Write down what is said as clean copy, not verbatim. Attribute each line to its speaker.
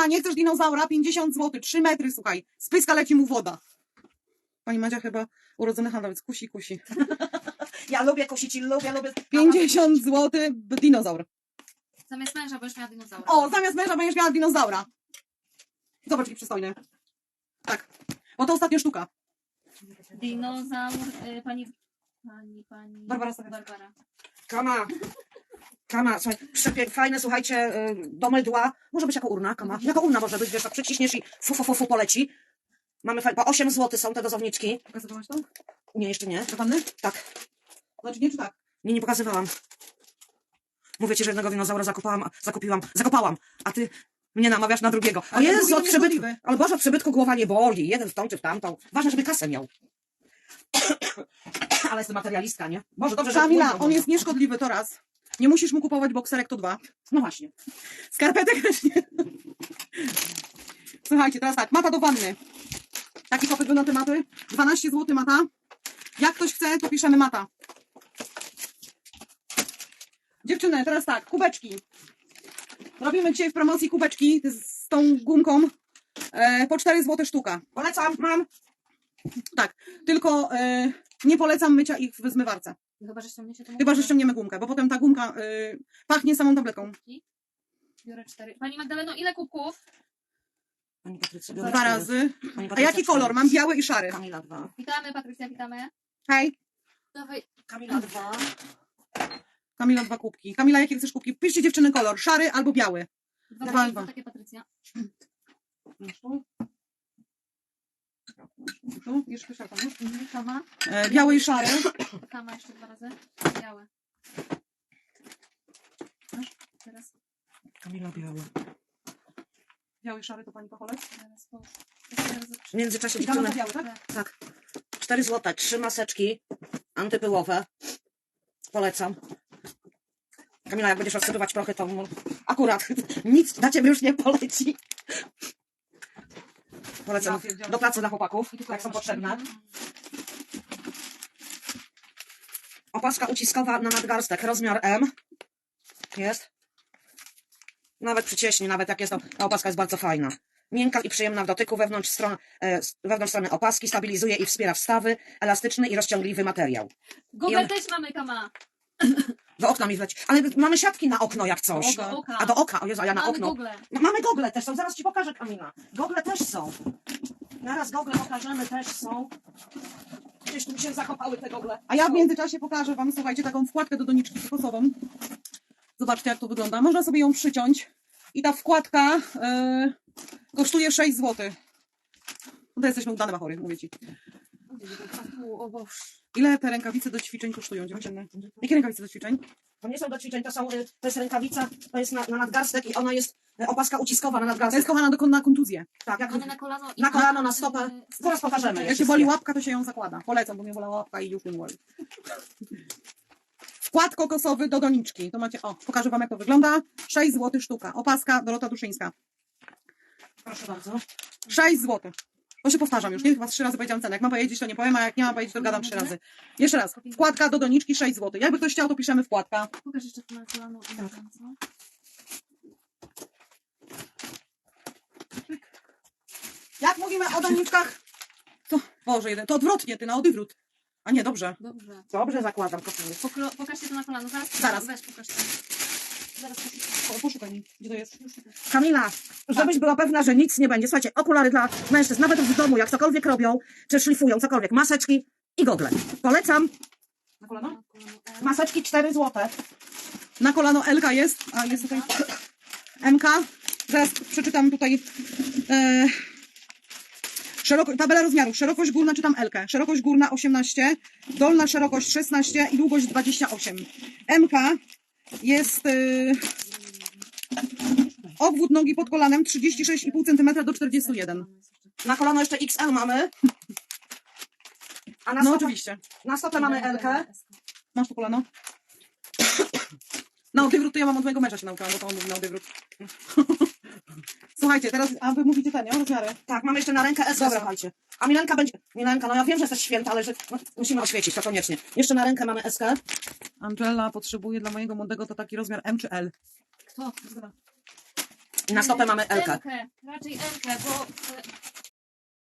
Speaker 1: Kamila, nie chcesz dinozaura? 50 zł, 3 metry, słuchaj. Z pyska leci mu woda. Pani Madzia chyba urodzony handlowiec. Kusi.
Speaker 2: Ja lubię kusić i lubię.
Speaker 1: 50 zł, dinozaur.
Speaker 3: Zamiast męża będziesz miała dinozaura.
Speaker 1: O, zamiast męża będziesz miała dinozaura. Zobacz, jaki przystojny. Tak, bo to ostatnia sztuka.
Speaker 3: Dinozaur, pani...
Speaker 1: Barbara.
Speaker 2: Kama, słuchaj, fajne, słuchajcie, do mydła. Może być jako urna, kama. Jako urna może być, wiesz, tak przyciśniesz i fu poleci. Mamy po 8 zł są te dozowniczki.
Speaker 1: Pokazywałaś to?
Speaker 2: Nie, jeszcze nie.
Speaker 1: Do wanny?
Speaker 2: Tak.
Speaker 1: Znaczy nie, czy tak?
Speaker 2: Nie pokazywałam. Mówię ci, że jednego dinozaura zakopałam, a ty mnie namawiasz na drugiego. O
Speaker 1: Ale
Speaker 2: Jezu,
Speaker 1: drugi
Speaker 2: od
Speaker 1: to nie
Speaker 2: przybytku.
Speaker 1: szkodliwy.
Speaker 2: Ale Boże, od przybytku głowa nie boli. Jeden w tą czy w tamtą. Ważne, żeby kasę miał. Ale jestem materialistka, nie? Może dobrze, że...
Speaker 1: Kamila, on jest nieszkodliwy, to raz. Nie musisz mu kupować bokserek, to 2.
Speaker 2: No właśnie.
Speaker 1: Skarpetek też nie. Słuchajcie, teraz tak, mata do wanny. Taki popyt był na te maty. 12 zł mata. Jak ktoś chce, to piszemy mata. Dziewczyny, teraz tak, kubeczki. Robimy dzisiaj w promocji kubeczki z tą gumką po 4 zł sztuka.
Speaker 2: Polecam, mam.
Speaker 1: Tak, tylko nie polecam mycia ich w zmywarce.
Speaker 3: Chyba, że ściągniecie to.
Speaker 1: Chyba, że ściągniemy gumkę, bo potem ta gumka pachnie samą tabletką.
Speaker 3: Biorę 4. Pani Magdaleno, ile kubków?
Speaker 2: Pani Patrycja,
Speaker 1: 2 razy.
Speaker 2: Pani
Speaker 1: A
Speaker 2: Patrycja,
Speaker 1: jaki kolor? Mam biały i szary.
Speaker 2: Kamila 2.
Speaker 3: Witamy, Patrycja, witamy.
Speaker 1: Hej.
Speaker 3: Dawaj.
Speaker 2: Kamila 2.
Speaker 1: Kamila 2 kubki. Kamila, jakie chcesz kubki? Piszcie dziewczyny kolor, szary albo biały.
Speaker 3: Dwa. Takie Patrycja.
Speaker 1: Tu, jeszcze szarpa, nie?
Speaker 3: Kama.
Speaker 1: Biały i szary.
Speaker 3: Kama jeszcze 2 razy. Białe. Teraz.
Speaker 2: Kamila biała.
Speaker 1: Biały i szary to pani Pacholec.
Speaker 3: Teraz po.
Speaker 2: W międzyczasie
Speaker 1: I Kama
Speaker 2: dziewczyny...
Speaker 1: to biały, tak?
Speaker 2: Tak. 4 zł, 3 maseczki antypyłowe. Polecam. Kamila, jak będziesz rozsypywać prochy, to akurat nic na ciebie już nie poleci. Polecam do pracy dla chłopaków, jak są potrzebne. Opaska uciskowa na nadgarstek, rozmiar M. Jest. Nawet przycieśnie, nawet jak jest to, ta opaska jest bardzo fajna. Miękka i przyjemna w dotyku, wewnątrz strony opaski, stabilizuje i wspiera wstawy, elastyczny i rozciągliwy materiał.
Speaker 3: Google też mamy, Kama.
Speaker 2: Do okna mi wleci. Ale mamy siatki na okno jak coś.
Speaker 1: Do
Speaker 3: oka.
Speaker 2: A do oka, o Jezu, a ja na
Speaker 3: Mamy
Speaker 2: okno.
Speaker 3: Google.
Speaker 2: No, mamy gogle też są, zaraz ci pokażę, Kamila. Gogle też są. Zaraz gogle pokażemy, też są. Gdzieś tu mi się zakopały te gogle.
Speaker 1: A ja w międzyczasie pokażę wam, słuchajcie, taką wkładkę do doniczki kokosową. Zobaczcie, jak to wygląda. Można sobie ją przyciąć. I ta wkładka kosztuje 6 zł. No to jesteśmy udane machory, mówię ci.
Speaker 3: O Boże.
Speaker 1: Ile te rękawice do ćwiczeń kosztują, dziewczyny? Jakie rękawice do ćwiczeń?
Speaker 2: To nie są do ćwiczeń, to jest rękawica, to jest na nadgarstek i ona jest opaska uciskowa na
Speaker 1: To jest
Speaker 2: nadgarstek.
Speaker 1: kochana na kontuzję.
Speaker 2: Tak, jak
Speaker 3: Mamy na kolano i
Speaker 2: na kolano, na stopę. Zaraz pokażemy.
Speaker 1: Jak się boli łapka, to się ją zakłada. Polecam, bo mnie bolała łapka i już nie boli. Wkład kokosowy do doniczki. To macie, o, pokażę wam, jak to wygląda. 6 zł sztuka. Opaska Dorota Duszyńska.
Speaker 2: Proszę bardzo.
Speaker 1: 6 zł. To się powtarzam już, nie? Chyba 3 razy powiedziałam cenę. Jak mam powiedzieć, to nie powiem, a jak nie mam powiedzieć, to gadam 3 razy. Jeszcze raz. Wkładka do doniczki 6 zł. Jakby ktoś chciał, to piszemy wkładka.
Speaker 3: Pokaż jeszcze tu na kolano i na ręce.
Speaker 1: Jak mówimy o doniczkach, to, Boże, jeden, to odwrotnie, ty na odwrót. A nie, dobrze.
Speaker 3: Dobrze.
Speaker 2: Dobrze zakładam, kochanie.
Speaker 3: Pokażcie to na kolano.
Speaker 1: Zaraz.
Speaker 3: Weź, pokaż to. Zaraz
Speaker 1: Poszukaj mi, gdzie to jest.
Speaker 2: Kamila, żebyś była pewna, że nic nie będzie. Słuchajcie, okulary dla mężczyzn, nawet w domu, jak cokolwiek robią, czy szlifują, cokolwiek, maseczki i gogle. Polecam.
Speaker 1: Na kolano?
Speaker 2: Maseczki 4 zł.
Speaker 1: Na kolano Elka jest, a jest tutaj MK. Zaraz przeczytam tutaj tabela rozmiaru. Szerokość górna, czytam Elkę. Szerokość górna 18, dolna szerokość 16 i długość 28. MK jest obwód nogi pod kolanem 36,5 cm do 41.
Speaker 2: Na kolano jeszcze XL mamy. A na
Speaker 1: No
Speaker 2: stopę,
Speaker 1: oczywiście.
Speaker 2: na stopę mamy L-kę.
Speaker 1: Masz to kolano? Na odwrót to ja mam od mojego męża się nauczyłam, bo to on mówi na odwrót. Słuchajcie, teraz, a wy mówicie te, nie? Rozmiary.
Speaker 2: Tak, mamy jeszcze na rękę S,
Speaker 1: Dobra.
Speaker 2: słuchajcie. A Milenka będzie... Milenka, no ja wiem, że jesteś święta, ale że no, musimy oświecić, to koniecznie. Jeszcze na rękę mamy S-kę.
Speaker 1: Angela potrzebuje dla mojego młodego to taki rozmiar M czy L.
Speaker 3: Kto?
Speaker 2: I na stopę mamy Elkę.
Speaker 3: Raczej Elkę, bo